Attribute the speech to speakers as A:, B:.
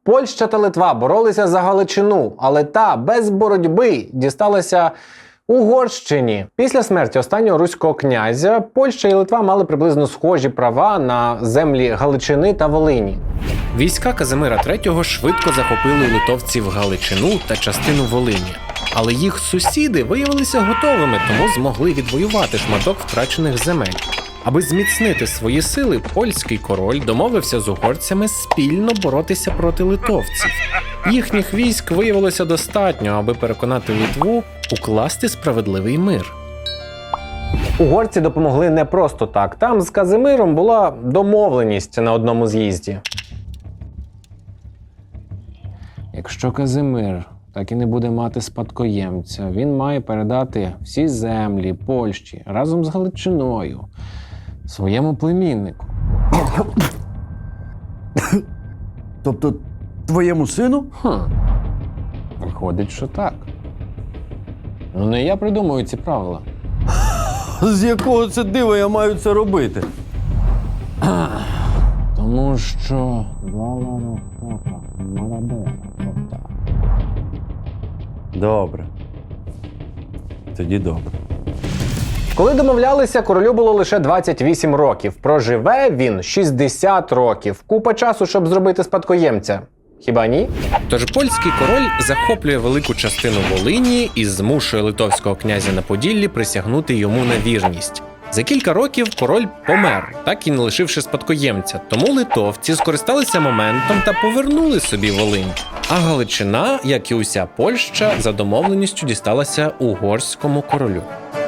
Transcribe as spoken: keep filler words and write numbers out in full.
A: Польща та Литва боролися за Галичину, але та без боротьби дісталася Угорщині. Після смерті останнього руського князя Польща і Литва мали приблизно схожі права на землі Галичини та Волині.
B: Війська Казимира третього швидко захопили у литовців Галичину та частину Волині. Але їх сусіди виявилися готовими, тому змогли відвоювати шматок втрачених земель. Аби зміцнити свої сили, польський король домовився з угорцями спільно боротися проти литовців. Їхніх військ виявилося достатньо, аби переконати Литву укласти справедливий мир.
A: Угорці допомогли не просто так. Там з Казимиром була домовленість на одному з'їзді. Якщо Казимир так і не буде мати спадкоємця, він має передати всі землі Польщі разом з Галичиною своєму племіннику.
C: Тобто твоєму сину?
A: Хм. Виходить, що так. Ну не я придумую ці правила.
C: З якого це дива я маю це робити?
A: Тому що...
C: Добре. Тоді добре.
A: Коли домовлялися, королю було лише двадцять вісім років. Проживе він шістдесят років. Купа часу, щоб зробити спадкоємця. Хіба ні?
B: Тож польський король захоплює велику частину Волині і змушує литовського князя на Поділлі присягнути йому на вірність. За кілька років король помер, так і не лишивши спадкоємця, тому литовці скористалися моментом та повернули собі Волинь. А Галичина, як і уся Польща, за домовленістю дісталася угорському королю.